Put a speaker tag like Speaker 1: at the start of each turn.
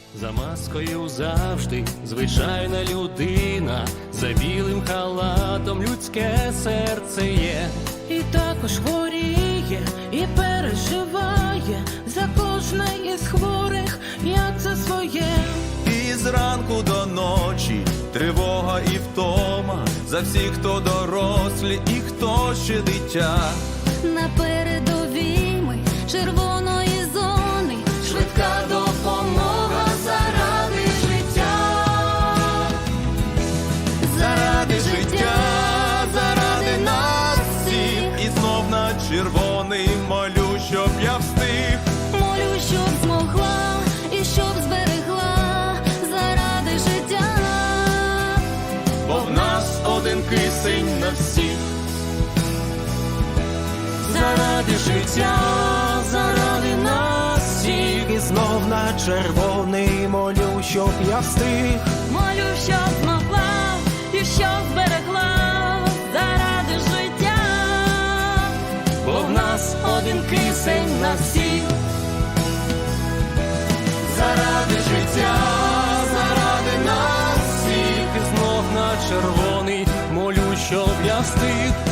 Speaker 1: За маскою завжди звичайна людина, за білим халатом людське серце є.
Speaker 2: І також хворіє, і переживає за кожне із хворих, як це своє.
Speaker 3: І зранку до ночі тривога і втома за всіх, хто дорослі і хто ще дитя.
Speaker 4: На передовій ми червоної зони, швидка допомога заради життя.
Speaker 3: Заради життя, заради нас всіх. І знов на червоний молю, щоб я встиг.
Speaker 4: Молю, щоб змогла і щоб зберегла заради життя.
Speaker 3: Бо в нас один кисень на всіх.
Speaker 1: Заради життя, заради нас всіх. І знов на червоний молю, щоб я встиг.
Speaker 2: Молю, щоб змогла і щоб зберегла заради життя.
Speaker 1: Бо в нас один кисень на всіх. Заради життя, заради нас всіх. І знов на червоний молю, щоб я встиг.